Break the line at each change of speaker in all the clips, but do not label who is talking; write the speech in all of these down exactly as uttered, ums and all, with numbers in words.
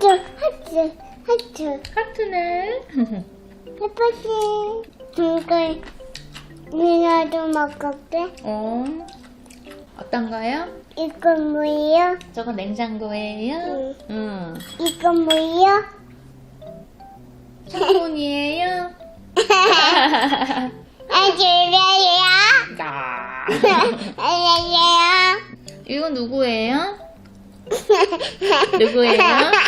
하트, 하트, 하트.
하트네.
예쁘지? 이걸 누나도 먹을게.
어, 어떤가요?
이건 뭐예요?
저거 냉장고예요?
응.
응.
이건 뭐예요?
창문이에요?
아주래요?
야.
아주래요?
이거 누구예요? 누구예요?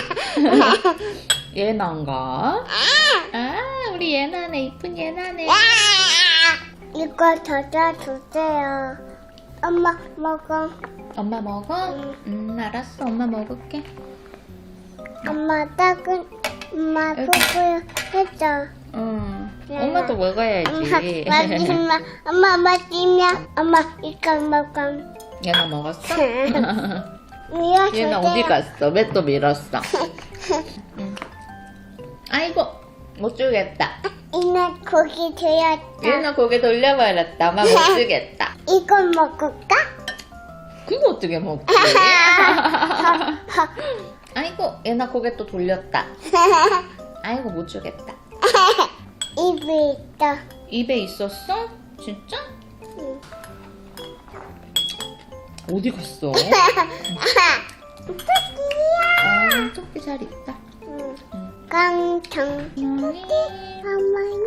예나인가? 아, 우리 예나네. 이쁜 예나네.
이거 저자 주세요. 엄마 먹어.
엄마 먹어? 음, 알았어. 엄마 먹을게.
엄마 따끈 엄마
여기.
뽀뽀 해줘.
응.
예나.
엄마도 먹어야지.
엄마 마지막 엄마 마지막 엄마 이거 먹어.
예나 먹었어?
이거
얘는 어디 갔어? 왜 또 밀었어? 응. 아이고, 못 주겠다.
이나 고기 되었다.
얘는 고개 돌려버렸다. 엄마 못 주겠다.
이거 먹을까?
그거 어떻게 먹지? 아이고, 얘나 고개 또 돌렸다. 아이고, 못 주겠다.
입에 있다.
입에 있었어? 진짜?
응.
어디 갔어?
토끼야.
아, 토끼 잘 있다.
응.
응.
깡통.
어머니.
어머니.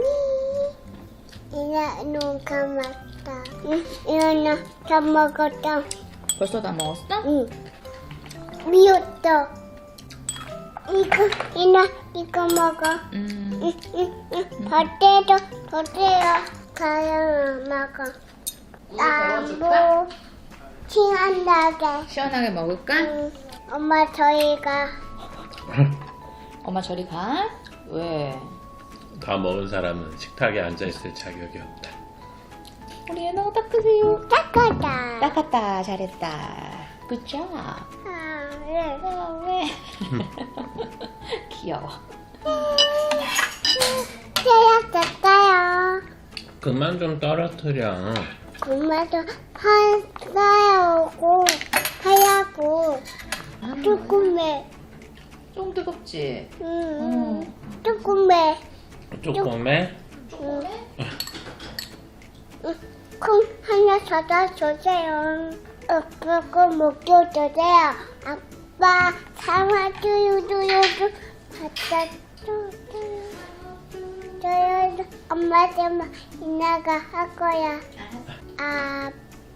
이나 눈 감았다. 응. 이나 다 먹었다.
벌써 다 먹었어?
응. 미웠다. 이거 이나 이거 먹어.
음.
응, 응, 응. 버때도 버때요. 가요 먹어. 나무 친한다게.
시원하게 먹을까?
응. 엄마 저희가
엄마 저리 가? 왜?
다 먹은 사람은 식탁에 앉아있을 자격이 없다.
우리 예나가 닦으세요.
닦았다.
닦았다. 잘했다. 굿잡.
아, 네.
아, 왜? 귀여워.
때렸을까요?
그만 좀 떨어뜨려.
엄마도 하얗고 하얗고 조금해.
좀 뜨겁지?
음,
어.
조금해.
조금해?
음. 음, 콩 하나 사다 주세요. 아빠가 먹여주세요. 아빠 사와줘요줘요줘 갖다 줘요. 저요 엄마 때문에 이나가 할 거야. 아기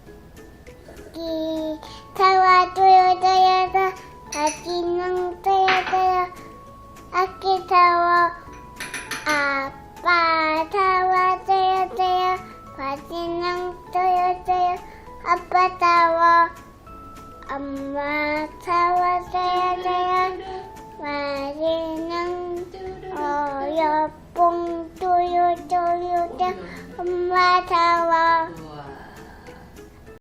사와줘요줘요줘 아기는 줘요줘요. 아기 사와 아빠 사와줘요줘요. 바지는 줘요줘요. 아빠 사와 엄마 사와줘요줘요. 바지는 어여뽕 줘요줘요. 엄마 사와